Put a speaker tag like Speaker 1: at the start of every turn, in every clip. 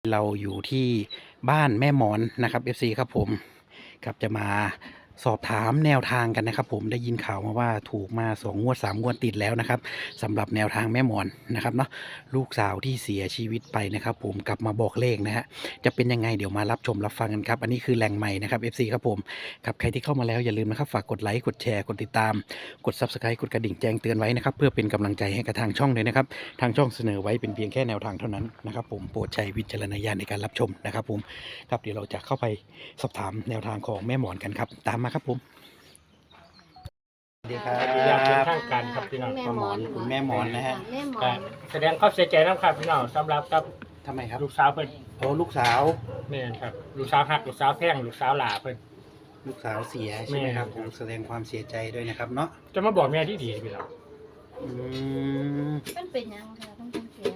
Speaker 1: เราอยู่ที่บ้านแม่หมอนนะครับ FC ครับผมครับจะมาสอบถามแนวทางกันนะครับผมได้ยินข่าวมาว่าถูกมา2งวด3งวดติดแล้วนะครับสำหรับแนวทางแม่หมอนนะครับเนาะลูกสาวที่เสียชีวิตไปนะครับผมกลับมาบอกเลขนะฮะจะเป็นยังไงเดี๋ยวมารับชมรับฟังกันครับอันนี้คือแหล่งใหม่นะครับ FC ครับผมครับใครที่เข้ามาแล้วอย่าลืมนะครับฝากกดไลค์กดแชร์กดติดตามกด Subscribe กดกระดิ่งแจ้งเตือนไว้นะครับเพื่อเป็นกำลังใจให้กับทางช่องเลยนะครับ ทางช่องเสนอไว้เป็นเพียงแค่แนวทางเท่านั้นนะครับผมโปรดใช้วิจารณญาณในการรับชมนะครับผมครับเดี๋ยวเราจะเข้าไปสอบถามแนวทางของแม่หมอนกันครับตามมาครับผมสวัสดีครั
Speaker 2: อยากเป็น
Speaker 1: บ
Speaker 2: ทางการครับพี่น้อง
Speaker 1: แม่หมอนคุณแม่หมอนนะฮะ
Speaker 3: แม่หมอ
Speaker 2: แต่
Speaker 3: น
Speaker 2: แสดงความเสียใจนะครับพี่น้องสำหรับกับ
Speaker 1: ทำไมครับ
Speaker 2: ลูกสาวเพิ่น
Speaker 1: โอ้ลูกสาว
Speaker 2: แม่นครับลูกสาวฮักลูกสาวแพงลูกสาวหลาเพิ่น
Speaker 1: ลูกสาวเสียใช่ไหมครับ
Speaker 2: แม่
Speaker 1: ผมแสดงความเสียใจด้วยนะครับเนาะ
Speaker 2: จะมาบอกแม่ที่ดีพี่น้อง
Speaker 1: อืม
Speaker 3: มันเป็นยังค่ะต้องเสีย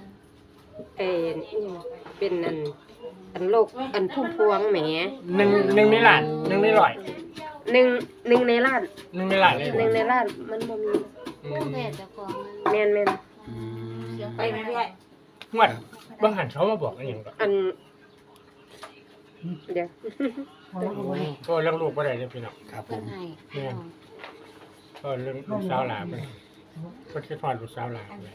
Speaker 4: เป็นอันโรคอันพุ่มพวงแหม
Speaker 2: หนึ่งในล้านหนึ่งในร้อย
Speaker 4: หนึ่งในล้าน
Speaker 2: หนึ่งในล้านเลย
Speaker 4: หนึ่งในล้านมันบ่มี
Speaker 2: อืม
Speaker 3: แพทย์เจ้าของ
Speaker 4: แม่น
Speaker 1: อืม
Speaker 4: ไปเรื่อย
Speaker 2: งวดบางหันเขามาบอกอะไรอย่างก็
Speaker 4: อันเดี๋ยว
Speaker 2: ก็เรื่องลูกบ่ได้เลยพี่น้อง
Speaker 1: ครับผ
Speaker 3: เพิ่น
Speaker 1: ม
Speaker 3: ให้
Speaker 2: แม่น ก็เรื่องลูกสาวหลาเพิ่นเพิ่นคิดฮอดลูกสาวหลาเพิ่น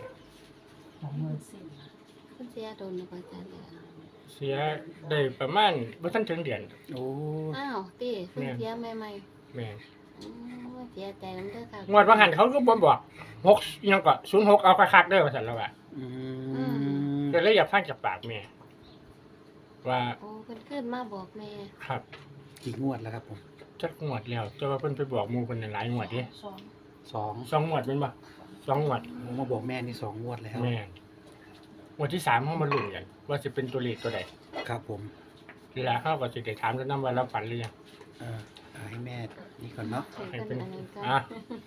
Speaker 3: เพิ่นเสียโดนแล้วก็จะเหลือ
Speaker 2: เสียได้ประมาณบ่ทันถึงเดือน
Speaker 1: โอ้
Speaker 3: อ้าวติเพิ่นเสียใหม่
Speaker 2: แม่น
Speaker 3: ๆอืมเสียใจนำเด้อค่ะ
Speaker 2: งวดบางหันเขาก็บ่บอก6อิหยังก็06เอาคักๆเด้อว่าซั่นแล้วว่า
Speaker 1: อืม
Speaker 2: ก็เลยอยากฟังจากปากแม่ว่า
Speaker 3: โอ้เพิ่นขึ้นมาบอกแม่
Speaker 2: ครับ
Speaker 1: กี่งวดแล้วครับผม
Speaker 2: จักงวดแล้วแต่ว่าเพิ่นไปบอกหมู่เพิ่นหลายงวดเด้
Speaker 1: สอง
Speaker 2: 2งวดเป็นบ่2งวด
Speaker 1: ผมมาบอกแม่นี่2งวดแล้ว
Speaker 2: แม่นงวดที่3เฮามาลุ้นกันว่าสิเป็นตัวเลขตัวใด
Speaker 1: ครับผม
Speaker 2: เวลาเฮาก็สิได้ถามกันนำว่าเราฝันหรือยัง
Speaker 1: เอาให้แม่นี่ก่อนเนาะ
Speaker 3: ให้เพิ่นอันนั้นก็
Speaker 2: อ่ะ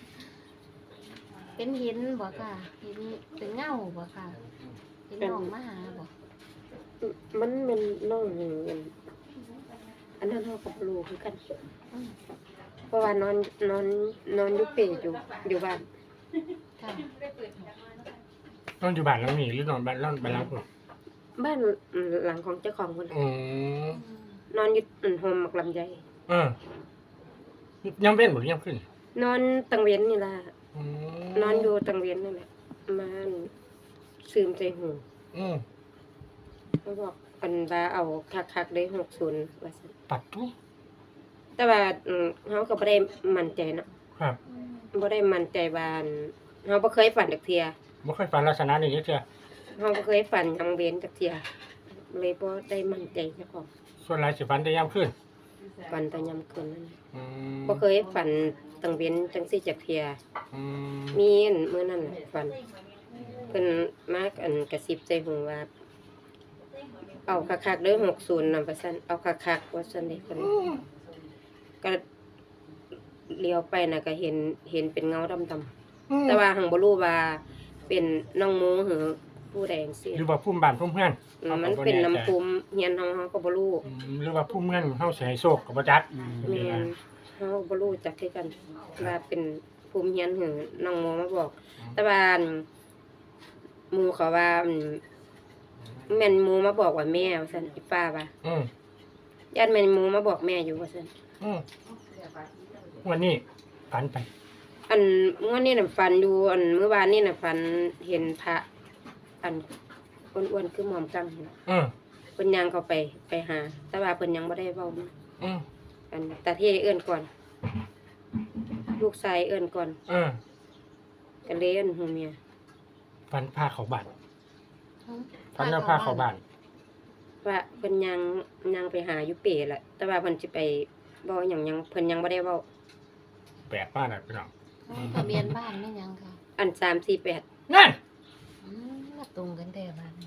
Speaker 3: เป็นหินบ่ค่ะหินเป็นเงาบ่ค่ะเห็นน้องมาหาบ่
Speaker 4: มันเป็นน้องอันนั้นเฮากับลูกคือกัน
Speaker 3: อืม
Speaker 4: เพราะว่านอนอยู่เปรอยู่บ้าน
Speaker 3: ค่ะ
Speaker 2: นอนอยู่บ้านหลังนี้หรือนอนบ้านหลังพุ่น
Speaker 4: บ้านหลังของเจ้าของคน
Speaker 2: อืม
Speaker 3: อืม
Speaker 4: นอนอยู่โฮมหมักลำไย
Speaker 2: เออยังเป็นบ่หรือยังขึ้น
Speaker 4: นอนตังเวียนนี่ล่ะ
Speaker 2: อืม
Speaker 4: นอนอยู่ตังเวียนนี่แหละมาซึมใจหู
Speaker 2: อืม
Speaker 4: เขาบอกอันว่าเอาคักๆได้60ว่าซั่น
Speaker 2: ปัดทุก
Speaker 4: แต่ว่าเฮาก็บ่ได้มั่นใจเนาะ
Speaker 2: ครับ
Speaker 4: บ่ได้มั่นใจว่าเฮาบ่เคยฝันจักเที่ย
Speaker 2: บ่เคยฝันลักษณะนี้จักเทื่อ
Speaker 4: เฮาบ่เคยฝันหยังเว้นจักเที่ยเลยบ่ได้มั่นใจเจ้าของ
Speaker 2: ส่วนหลายสิฝันแต่ยามคืน
Speaker 4: ฝันแต่ยามคืนนั่น
Speaker 2: อืม
Speaker 4: บ่เคยฝันตังเว้นจังซี่จักเที่ย
Speaker 2: อืม
Speaker 4: มีอันมื้อนั้นน่ะฝันเพิ่นมาอันกระซิบใจหูว่าเอาคักๆเด้อ60นำว่าซั่นเอาคักๆว่าซั่นเด้เพิ่นก็เลี้ยวไปน่ะก็เห็นเป็นเงาดำๆ แต่ว่าหังบ่รู้ว่าเป็นน้องโมหรือผู้ใดจังซี่
Speaker 2: หรือว่าภูมิบ้านภูมิเมือง
Speaker 4: มันเป็นน้ำภูมิเฮียนเฮาก็บ่รู้
Speaker 2: หรือว่าภูมิเมืองเฮาสิให้โชคก็บ่จัก
Speaker 1: อืม
Speaker 4: แม่นเฮาบ่รู้จักคือกันว่าเป็นภูมิเฮียนหรือน้องโมมาบอก แต่ว่าหมู่เขาว่าแม่นหมู่มาบอกว่าแม่ว่าซั่นอีป้าว่า
Speaker 2: อืม
Speaker 4: ญาติแม่นหมู่มาบอกแม่อยู่ว่าซั่น
Speaker 2: อืมวันนี้ฝันไป
Speaker 4: อันมื้อนี้น่ะฝันอยู่อันมื้อวานนี้น่ะฝันเห็นพระอันอ้วนๆคือหม่อมกังนี่ล่ะ
Speaker 2: อืม
Speaker 4: เพิ่นย่างเข้าไปหา แต่ว่าเพิ่นยังบ่ได้เว้ามา
Speaker 2: อืม
Speaker 4: อันตาเท่เอื้อนก่อน ลูกชายเอื้อนก่อน
Speaker 2: อืม
Speaker 4: ก็เลยเอื้อนหูเมีย
Speaker 2: ฝันพาเข้าบ้าน
Speaker 3: อืม
Speaker 2: ฝันแล้วพาเข้าบ้าน
Speaker 4: ว่าเพิ่นยังไปหาอยู่เป๋แหละแต่ว่าเพิ่นสิไปเว้าหยังเพิ่นยังบ่ได้เว้า
Speaker 2: แปลกมากนะพี่น้อง
Speaker 3: โอ้ทะเบียนบ้านแม่นยังค่ะ
Speaker 4: อัน348
Speaker 2: นั่น
Speaker 3: อืมมาตรงกันแต่บ้าน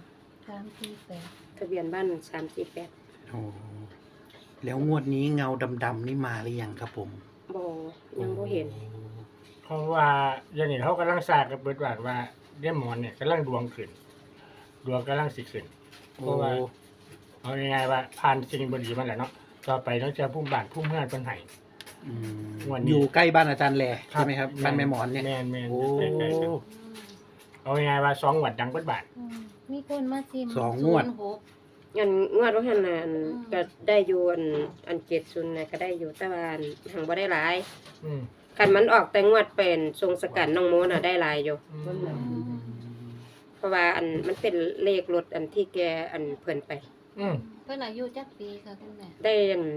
Speaker 3: 348
Speaker 4: ทะเบียนบ้าน348
Speaker 1: โอ้แล้วงวดนี้เงาดำๆนี่มาหรือยังครับผม
Speaker 4: บ่ยังบ่เห็น
Speaker 2: เพราะว่าอย่างนี้เขากำลังสร้างกับเบิดว่าเดมอนเนี่ยกำลังดวงขึ้น ดวงกำลังสิขึ้น เพ
Speaker 1: โอ้
Speaker 2: ราะว่าเอาง่ายๆว่าผ่านสิ่งบ่ดีมาแล้วเนาะต่อไปต้องเจอภูมิบ้านภูมิเมืองเพิ่นให้
Speaker 1: อืม
Speaker 2: งวดนี้
Speaker 1: อยู่ใกล้บ้านอาจารย์แหล่ใช่ไหมครับบ้านแม่หมอนเนี่ย
Speaker 2: แม่น
Speaker 1: โอ้
Speaker 2: ใกล้ๆกันเอาง่ายๆว่า2งวดดังเบิดบาท
Speaker 3: อืมมีคนมาซิม
Speaker 1: สองงวด
Speaker 3: 06
Speaker 4: อันงวดว่าหั่นน่ะก็ได้อยู่อัน70น่ะก็ได้อยู่แต่ว่าหังบ่ได้หลาย
Speaker 2: อืม
Speaker 4: คันมันออกแต่งวดเป็นทรงสกัดน้องโมน่ะได้หลายอยู่
Speaker 2: อืม
Speaker 4: เพราะว่ามันเป็นเลขรถอันที่แกเพิ่นไป
Speaker 2: อืม
Speaker 3: เพิ่นอายุจักปีค่ะคุณแม่
Speaker 4: ได้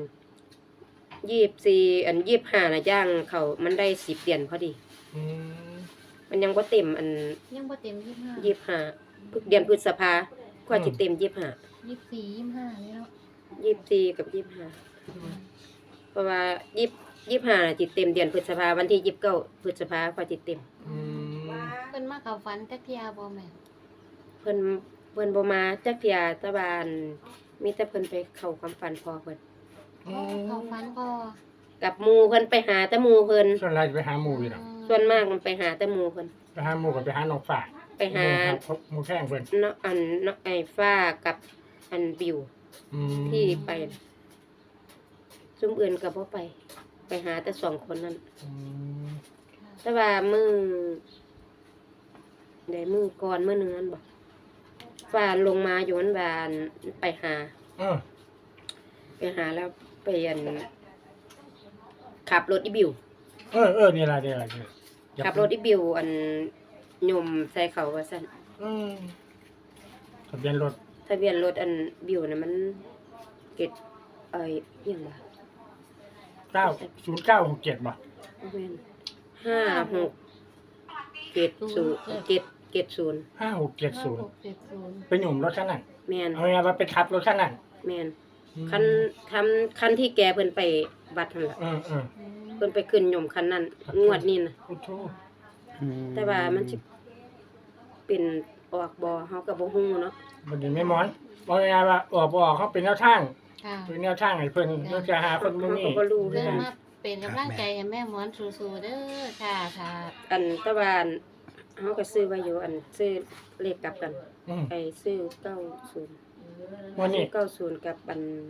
Speaker 4: 2425น่ะย่างเขามันได้10เดือนพอดี
Speaker 2: อืม
Speaker 4: มันยังบ่เต็ม
Speaker 3: ยังบ่เต็ม25
Speaker 4: 25เดือนพฤษภาก็สิเต็ม25
Speaker 3: 24 25นี่เนาะ
Speaker 4: 24กับ25เพราะว่า25น่ะสิเต็มเดือนพฤษภาวันที่29พฤษภาก็สิเต็ม
Speaker 2: อืม
Speaker 3: เพิ่นมาเข้าฝันจักเที่ยบ่แม่
Speaker 4: เพิ่นบ่มาจักเที่ยแต่ว่ามีแต่เพิ่นไปเข้าความฝันพอเพิ่น
Speaker 3: เข้าฝันพ่อ
Speaker 4: กับหมู่เพิ่นไปหาแต่หมู่เพิ่น
Speaker 2: ส่วนเราจะไปหาหมู่อยู่เนาะ
Speaker 4: ส่วนมากมันไปหาแต่หมู่เพิ่น
Speaker 2: ไปหาหมู่กับไปหาน้องฝาก
Speaker 4: ไปหา
Speaker 2: หมู่แข้งเพิ่น
Speaker 4: เนาะเนาะไอ้ฟ้ากับบิว
Speaker 2: อืม
Speaker 4: ที่ไปซุมอื่นก็บ่ไป ไปหาแต่สองคนนั้น
Speaker 2: อืม
Speaker 4: แต่ว่ามื้อก่อนมื้อหนึงนั้นบ่ฟ้าลงมาอยู่นั้นว่าไปหา
Speaker 2: เออ
Speaker 4: แล้วไปขับรถอีบิว
Speaker 2: นี่ล่ะนี่
Speaker 4: ขับรถอีบิวยมใส่เขาว่าซั่น
Speaker 2: อืมทะเบียนรถ
Speaker 4: ทะเบียนรถบิวน่ะมันเก็ดอิหยังล่ะ
Speaker 2: 0967บ่
Speaker 4: บ่แม่น5670
Speaker 2: 5670เป็นหนุ่มรถคันนั้น
Speaker 4: แม่น
Speaker 2: เอาไงว่าไปขับรถคันนั้น
Speaker 4: แม่นคันที่แกเพิ่นไปบัดนั่นล่ะ
Speaker 2: เออ
Speaker 4: เพิ่นไปขึ้นยมคันนั้นงวดนี้น่ะ
Speaker 2: โอ้โธ่
Speaker 4: แต่ว่ามันสิเป็นออกบ่เฮาก็บ่ฮู้เนาะ
Speaker 2: บัดนี้แม่หมอนบอกไงว่าออกบ่ออกเขาเป็นแนวทาง
Speaker 3: ค่ะ
Speaker 2: เป็นแนวทางให้เพิ่นเพื่อจะหาคนมื้อ
Speaker 4: เฮา
Speaker 2: นี้
Speaker 4: ก็บ่รู้คือ
Speaker 3: เริ่ม
Speaker 4: กัน
Speaker 3: มาเป็นกำลังใจให้แม่หมอนสู้ๆเด้อค่ะค่ะ
Speaker 4: แต่ว่าเฮาก็ซื้อไว้อยู่ซื้อเลขกลับกัน
Speaker 2: อืม
Speaker 4: ไปซื้อ90
Speaker 2: วันนี้
Speaker 4: 90กับ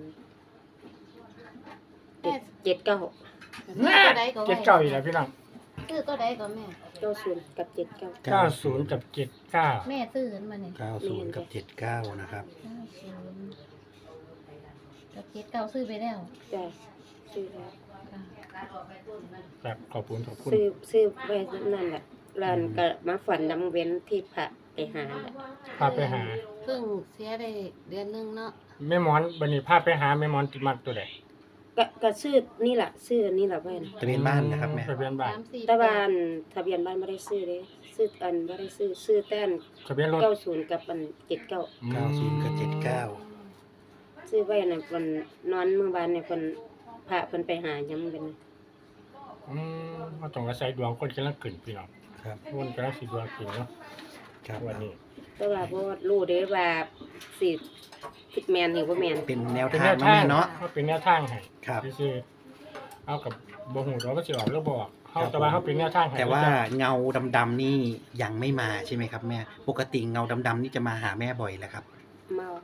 Speaker 3: แม่
Speaker 4: 79
Speaker 2: แม่เจ็ดเก้าอีกแล้วพี่น้อง
Speaker 3: ซื้อตัวใดก็แม่
Speaker 4: 90กับ79
Speaker 2: 90กับ79
Speaker 3: แม่ซื้อขึ้นมาเนี่ย
Speaker 1: 90 กับ 79 นะครับ
Speaker 3: 90กับ79ซื้อไปแล้ว
Speaker 4: จ้ะซื้อแล้ว
Speaker 3: ค่ะ
Speaker 2: ครับขอบคุณ
Speaker 4: ซื้อไว้นั่นแหละร้านก็มาฝันนำเว้นที่พระไปหาแหละ
Speaker 2: พาไปหา
Speaker 3: เพิ่งเสียได้เดือนนึงเนาะ
Speaker 2: แม่หมอนบัดนี้พาไปหาแม่หมอนติดมักตัวใด
Speaker 4: ก็ซื้อนี่ล่ะซื้อนี่ล่ะไว้นะ
Speaker 1: ทะเบียนบ้านนะครับแม่
Speaker 2: ทะเบียนบ้าน
Speaker 3: 3-4
Speaker 4: แต่ว่าทะเบียนบ้านบ่ได้ซื้อเด้ซื้อบ่ได้ซื้อแต่
Speaker 2: ทะเบียนรถ
Speaker 4: 90กับ79
Speaker 1: 90 กับ
Speaker 4: ซื้อไว้น่ะเพิ่นนอนมื้อวานเนี่ยเพิ่นพระเพิ่นไปหายังเป็น
Speaker 2: มาต้องอาศัยดวงคนกำลังขึ้นพี่น้อง
Speaker 1: 79 ครับ
Speaker 2: คนกำลังสิดวงขึ้นเนาะ
Speaker 1: ครับ
Speaker 2: วันนี้
Speaker 4: แต่ว่าบ่รู้เด้ว่าสิแม่นหรือบ่แม่น
Speaker 1: เป็นแนว
Speaker 2: เป็น
Speaker 1: ทา
Speaker 2: แน
Speaker 1: ง
Speaker 2: ว
Speaker 1: เนาะ
Speaker 2: ทาง
Speaker 1: แม่เนาะ
Speaker 2: เขาเป็นแนวทางให้
Speaker 1: ครับ
Speaker 2: ซื่อๆเอากับบ่ฮู้ดอกว่าสิออกหรือบ่ออกเฮา
Speaker 1: ครับ
Speaker 2: แต่ว่าเขาเป็นแนวทางให้
Speaker 1: แต่ว่าเงาดำๆนี่ยังไม่มาใช่ไหมครับแม่ ปกติเงาดำๆนี่จะมาหาแม่บ่อยแหละครับ
Speaker 4: มาม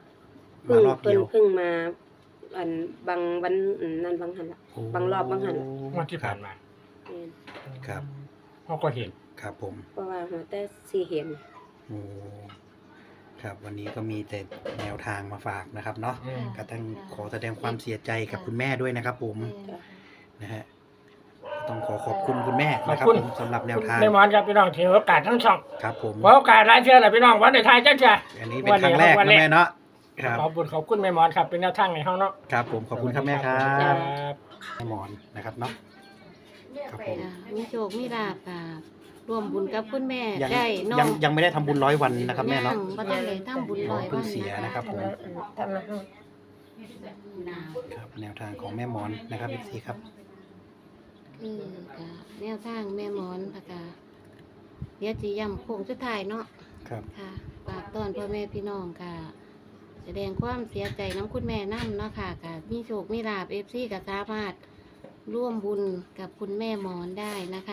Speaker 1: ารอบ
Speaker 4: เพิ่
Speaker 1: เดี
Speaker 4: น
Speaker 1: ยว
Speaker 4: เพิ่งมาบางวันนั้นบางหันล่ะ
Speaker 1: โอ้
Speaker 4: บางรอบบางหัน
Speaker 2: งวดที่ผ่านมา
Speaker 4: แม่น
Speaker 1: ครับ
Speaker 2: เขาก็เห็น
Speaker 1: ครับผม
Speaker 4: เพราะว่าหัวแต่สิเห็น
Speaker 1: โอ้ครับวันนี้ก็มีแต่แนวทางมาฝากนะครับเนาะ
Speaker 2: อืม
Speaker 1: ก็ต้องขอแสดงความเสียใจกับคุณแม่ด้วยนะครับ ผม
Speaker 3: แม่
Speaker 1: นะฮะต้องขอบคุณคุณแม่นะครับ
Speaker 2: ขอบคุณ
Speaker 1: ผมสำหรับแนวทาง
Speaker 2: แม่หมอนครับพี่น้องถือโอกาสทั้งช่อง
Speaker 1: ครับผม
Speaker 2: ขอโอกาสหลายเทื่อแหละพี่น้องวันในไทายจังจ้ะ
Speaker 1: อันนี้เป็นครั้งแรกนะแม่เนาะครับ
Speaker 2: ขอบคุณแม่หมอนครับเป็นแนวทางให้เฮาเนาะ
Speaker 1: ครับผมขอบคุณครับแม่ครั
Speaker 2: ครับ บ
Speaker 1: แม่หมอนนะครับเนาะครับผม
Speaker 3: มีโชคมีลาภค่ะร่วมบุญกับคุณแม่
Speaker 1: ยัง
Speaker 3: ได้น้อ
Speaker 1: ยัง งยังไม่ได้ทำบุญ100 วันนะครับแม่เนาะ
Speaker 3: ยังบ่ทันได้ทำบุญร้อย
Speaker 1: เพิ่
Speaker 3: วั
Speaker 1: ง
Speaker 3: น
Speaker 1: เสียนะครับผม
Speaker 4: ทำมาให้
Speaker 1: ครับแนวทางของแม่หมอนนะครับพี่ซีครับ
Speaker 3: คือก็แนวทางแม่หมอนค่ะก็เดี๋ยวสิย้ำโค้งสุดท้ายเนาะ
Speaker 1: ครับ
Speaker 3: ค่ะฝากต้อนพ่อแม่พี่น้องค่ะ แสดงความเสียใจน้ำคุณแม่น้ำเนาะค่ะกับมีโชคมีลาบFCก็สามารถร่วมบุญกับคุณแม่หมอนได้นะคะ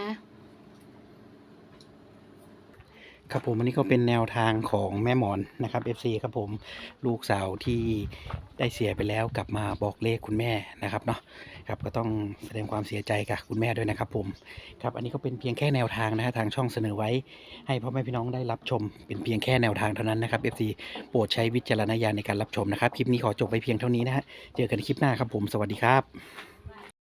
Speaker 1: ครับผมอันนี้ก็เป็นแนวทางของแม่หมอนนะครับ FC ครับผมลูกสาวที่ได้เสียไปแล้วกลับมาบอกเลขคุณแม่นะครับเนาะครับก็ต้องแสดงความเสียใจกับคุณแม่ด้วยนะครับผมครับอันนี้ก็เป็นเพียงแค่แนวทางนะฮะทางช่องเสนอไว้ให้พ่อแม่พี่น้องได้รับชมเป็นเพียงแค่แนวทางเท่านั้นนะครับ FC โปรดใช้วิจารณญาณในการรับชมนะครับคลิปนี้ขอจบไว้เพียงเท่านี้นะฮะเจอกันคลิปหน้าครับผมสวัสดีครับ